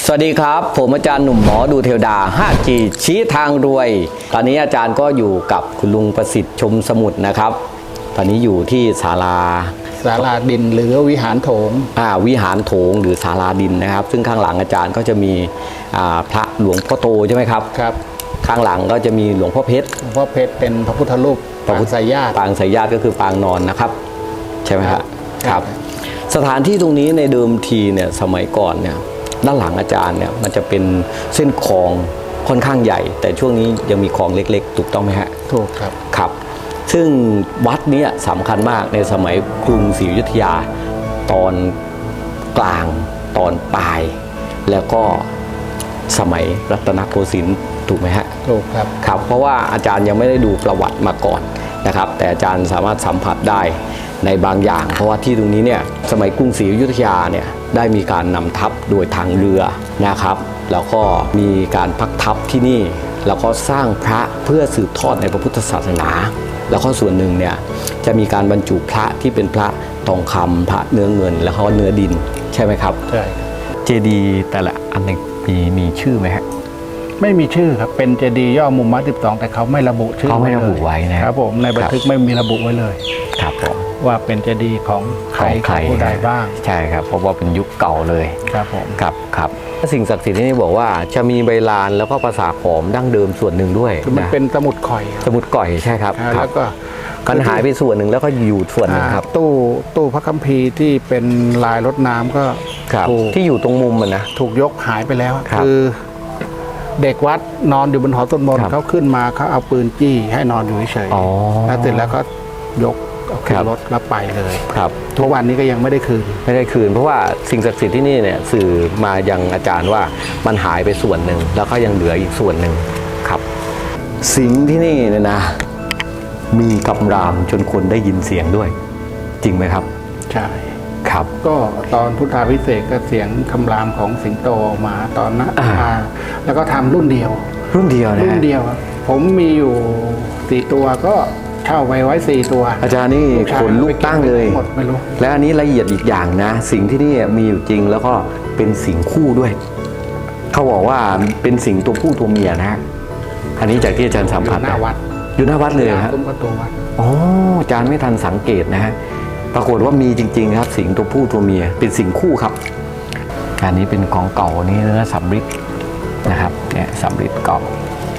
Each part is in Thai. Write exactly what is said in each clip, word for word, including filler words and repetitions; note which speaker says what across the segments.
Speaker 1: สวัสดีครับผมอาจารย์หนุ่มหมอดูเทวดา ห้าจี ชี้ทางรวยตอนนี้อาจารย์ก็อยู่กับคุณลุงประสิทธิ์ชมสมุทรนะครับตอนนี้อยู่ที่ศาลา
Speaker 2: ศาลาดินหรือวิหารโถง
Speaker 1: อ่าวิหารโถงหรือศาลาดินนะครับซึ่งข้างหลังอาจารย์ก็จะมีอ่าพระหลวงพ่อโตใช่ไหมครับ
Speaker 2: ครับ
Speaker 1: ข้างหลังก็จะมีหลวงพ่อเพชร
Speaker 2: หลวงพ่อเพชรเป็นพระพุทธรูปปางสายญาติ
Speaker 1: ปางสายญาติก็คือปางนอนนะครับใช่ไหมครับครับสถานที่ตรงนี้ในเดิมทีเนี่ยสมัยก่อนเนี่ยด้านหลังอาจารย์เนี่ยมันจะเป็นเส้นคลองค่อนข้างใหญ่แต่ช่วงนี้ยังมีคลองเล็กๆถูกต้องไหมฮะ
Speaker 2: ถูกครับ
Speaker 1: ครับซึ่งวัดนี้สำคัญมากในสมัยกรุงศรีอยุธยาตอนกลางตอนปลายแล้วก็สมัยรัตนโกสินทร์ถูกไหมฮะ
Speaker 2: ถูกครับ
Speaker 1: ครับเพราะว่าอาจารย์ยังไม่ได้ดูประวัติมาก่อนนะครับแต่อาจารย์สามารถสัมผัสได้ในบางอย่างเพราะว่าที่ตรงนี้เนี่ยสมัยกรุงศรีอยุธยาเนี่ยได้มีการนำทัพโดยทางเรือนะครับแล้วก็มีการพักทัพที่นี่แล้วก็สร้างพระเพื่อสืบทอดในพระพุทธศาสนาแล้วก็ส่วนหนึ่งเนี่ยจะมีการบรรจุพระที่เป็นพระทองคำพระเนื้อเงินแล้วก็เนื้อดินใช่ไหมครับ
Speaker 2: ใช่
Speaker 1: เจดีย์แต่ละอันมีมีชื่อไหมฮะ
Speaker 2: ไม่มีชื่อครับเป็นเจดีย์ย่อมุมมัดสิบสองแต่เขาไม่ระบุชื่อ
Speaker 1: เขาไม่ระบุไว้นะครับ
Speaker 2: ผมในบันทึกไม่มีระบุไว้เลย
Speaker 1: ครับผม
Speaker 2: ว่าเป็นเจดีย์ของใครผู้ใดบ้าง
Speaker 1: ใช่ครับเพราะว่าเป็นยุคเก่าเลย
Speaker 2: ครับผม
Speaker 1: ครับครับสิ่งศักดิ์สิทธิ์ที่นี่บอกว่าจะมีใบลานแล้วก็ภาษาขอมดั้งเดิมส่วนหนึ่งด้วย
Speaker 2: คือมันเป็นสมุดข่อย
Speaker 1: สมุดก่อยใช่ครับ
Speaker 2: แล้วก็
Speaker 1: กันหายไปส่วนหนึ่งแล้วก็อยู่ส่วนหนึ่งครับ
Speaker 2: ตู้ตู้พระคัมภีร์ที่เป็นลายรถน้ำก็
Speaker 1: ถูกที่อยู่ตรงมุมมันนะ
Speaker 2: ถูกยกหายไปแล้วคือเด็กวัดนอนอยู่บนหอต้นมนเขาขึ้นมาเขาเอาปืนจี้ให้นอนอยู่เฉยๆแล้วเสร็จแล้วก็ยกขึ้นรถแล้วไปเลย
Speaker 1: ครับ
Speaker 2: ทุกวันนี้ก็ยังไม่ได้คืน
Speaker 1: ไม่ได้คืนเพราะว่าสิ่งศักดิ์สิทธิ์ที่นี่เนี่ยสื่อมายังอาจารย์ว่ามันหายไปส่วนหนึ่งแล้วก็ยังเหลืออีกส่วนหนึ่งครับสิงที่นี่เนี่ยนะมีกำรามจนคนได้ยินเสียงด้วยจริงไหมครับ
Speaker 2: ใช่
Speaker 1: ครับ
Speaker 2: ก็ตอนพุทธาภิเษกก็เสียงคำรามของสิงโตออกมาตอนนั้นแล้วก็ทำรุ่นเดียว
Speaker 1: รุ่นเดียวนะ
Speaker 2: รุ่นเดียวผมมีอยู่สี่ตัวก็เช่าไว้ไว้สี่ตัว
Speaker 1: อาจารย์นี่ขนลุกตั้งเลย
Speaker 2: หมดไม่รู้
Speaker 1: และอันนี้ละเอียดอีกอย่างนะสิ่งที่นี่มีอยู่จริงแล้วก็เป็นสิ่งคู่ด้วยเขาบอกว่าเป็นสิ่งตัวผู้ตัวเมียนะฮะอันนี้จากที่อาจารย์สัมผัส
Speaker 2: หน้าวัด
Speaker 1: อยู่หน้าวัดเลยครับ
Speaker 2: ซุ้มประตูวัด
Speaker 1: อ๋ออาจารย์ไม่ทันสังเกตนะฮะปรากฏว่ามีจริงๆครับสิงตัวผู้ตัวเมียเป็นสิ่งคู่ครับอันนี้เป็นของเก่านี่เนื้อสำริดนะครับเนี่ยสำริดเก่า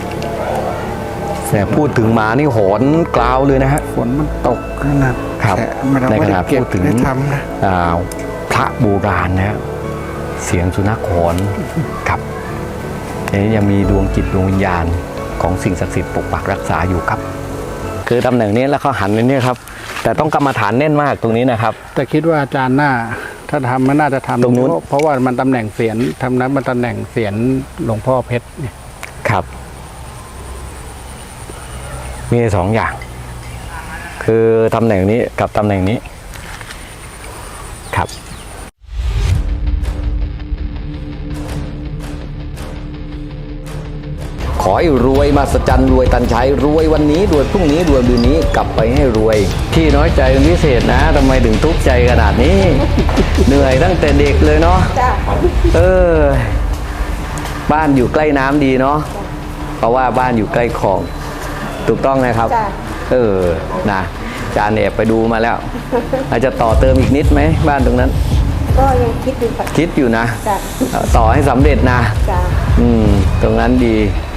Speaker 1: แต่พูดถึงมานี่หอนกล่าวเลยนะฮะ
Speaker 2: ฝนมันตก
Speaker 1: นะครับในขณะพูดถึงพระโบราณนะเสียงสุนัขหอนครับอันนี้ยังมีดวงจิตดวงวิญญาณของสิ่งศักดิ์สิทธิ์ปกปักรักษาอยู่ครับคือตำแหน่งนี้แล้วเขาหันไปนี่ครับแต่ต้องกรรมฐานแน่นมากตรงนี้นะครับ
Speaker 2: แต่คิดว่าอาจารย์หน้าถ้าทำมันน่าจะทำ
Speaker 1: ตรงนู้น
Speaker 2: เพราะว่ามันตำแหน่งเสียนทำนั้นมันตำแหน่งเสียนหลวงพ่อเพชรเนี่ย
Speaker 1: ครับมีสองอย่างคือตำแหน่งนี้กับตำแหน่งนี้ครับขอให้รวยมาสจันรวยตันใช้รวยวันนี้รวยพรุ่งนี้รวยเดือนนี้กลับไปให้รวยที่น้อยใจเป็นพิเศษนะทำไมถึงทุกข์ใจขนาดนี้ เหนื่อยตั้งแต่เด็กเลยเนาะเออบ้านอยู่ใกล้น้ำดีเนาะเพราะว่าบ้านอยู่ใกล้คลองถูกต้องนะครับเออนะจานแอบไปดูมาแล้วอาจจะต่อเติมอีกนิดไหมบ้านตรงนั้น
Speaker 3: ก็ยังคิดอยู่
Speaker 1: คิดอยู่นะต่อให้สำเร็จนะอืมตรงนั้นดี